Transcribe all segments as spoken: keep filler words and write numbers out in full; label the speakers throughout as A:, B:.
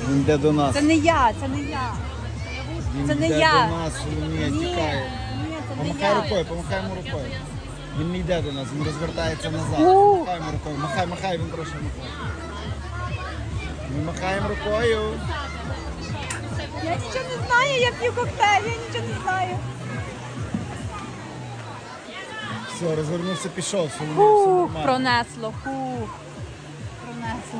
A: Він йде до нас.
B: Це не я, це не я.
A: Він
B: Це не
A: йде
B: я.
A: до нас, Соломія
B: Ні,
A: тікає.
B: ні, це не
A: Помахай
B: я.
A: рукою, помахай йому рукою. Він не йде до нас, він розвертається назад.
B: У.
A: Махай йому рукою, махай, махай, він прошу махай. Ми махаємо рукою.
B: Я нічого не знаю, я п'ю коктейль, я нічого не знаю.
A: Все, розвернувся, пішов, Соломія, все
B: Фух,
A: нормально.
B: пронесло, фух. Пронесло.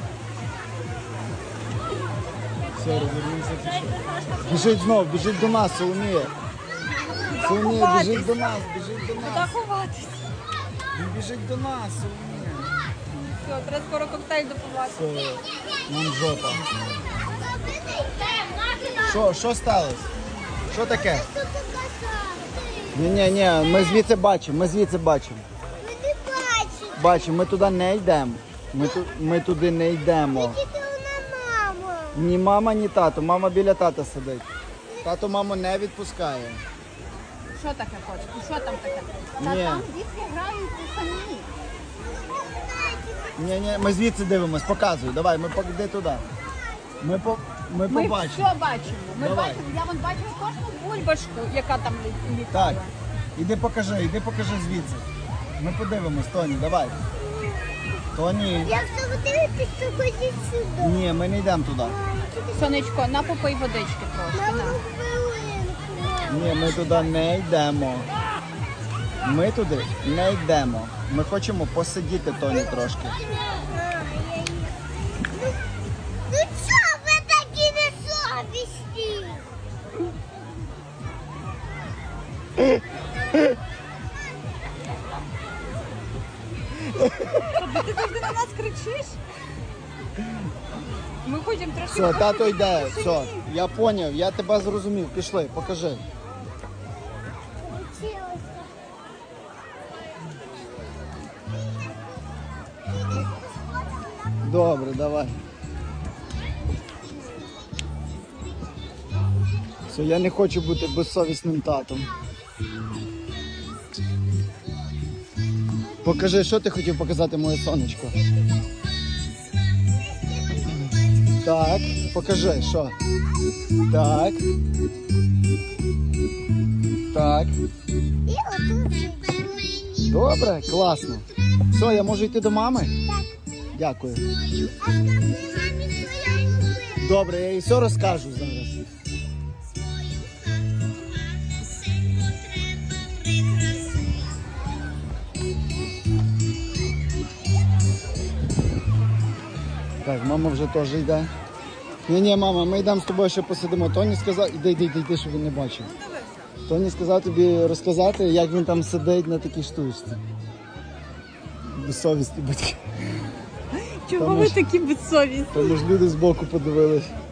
A: Все, розвернувся, пішов. Біжить знов, біжить до нас, Соломія. Соломія,
B: ховатись?
A: біжить до нас, біжить до
B: Куди
A: нас.
B: ховатись?
A: Він біжить до нас, Соломія.
B: Все, треба скоро коктейль допивати.
A: Все, нам жопа. Що, що сталося? Що таке? Ні, ні, ні, ми звідси бачимо, ми звідси бачимо.
C: Ми не бачимо.
A: Бачимо, ми туди не йдемо. Ми, ту, ми туди не йдемо.
C: Тільки вона мама.
A: Ні мама, ні тато. Мама біля тата сидить. Тато маму не відпускає.
B: Що таке хочеш? Що там таке? Та
A: Ні.
B: там дітки грають самі.
A: Ні, ні, ми звідси дивимось, показуй. Давай, ми йди туди. Ми, по, ми,
B: Ми
A: побачимо.
B: все бачимо. Ми
A: Давай.
B: бачимо. Я вон бачила кожну бульбашку, яка там лі- літала.
A: Так, іди покажи, іди покажи звідси. Ми подивимось, Тоні, давай. Тоні.
C: Я все дивитися, що ходіть сюди.
A: Ні, ми не йдемо туди.
B: Сонечко, на попий водички трошки.
C: Мама,
B: На.
C: хвилинку.
A: Ні, ми туди не йдемо. Ми туди не йдемо. Ми хочемо посидіти, Тоні, трошки.
C: Ну чого ви такі несовісні?
B: Ти завжди на нас кричиш? Ми хочемо трошки...
A: Все, тато
B: посидіти
A: йде,
B: в
A: все.
B: тишині.
A: Я зрозумів, я тебе зрозумів. Пішли, покажи. Добре, давай. Все, я не хочу бути безсовісним татом. Покажи, що ти хотів показати, моє сонечко. Так, покажи, що. Так. Так.
C: І отут.
A: Добре, класно. Все, я можу йти до мами?
C: Так.
A: Дякую.
C: А скажи мамі, що я купила.
A: Добре, я їй все розкажу зараз. Так, мама вже теж йде. Ні-ні, мама, ми йдемо з тобою ще посидимо. Тоні сказав, іди, іди, іди, іди, щоб він не бачив. Тоні сказав тобі розказати, як він там сидить на такій штучці. Безсовісні батьки.
B: Чого
A: Тому
B: ви
A: ж-
B: такі безсовісні?
A: Тому ж люди збоку подивились.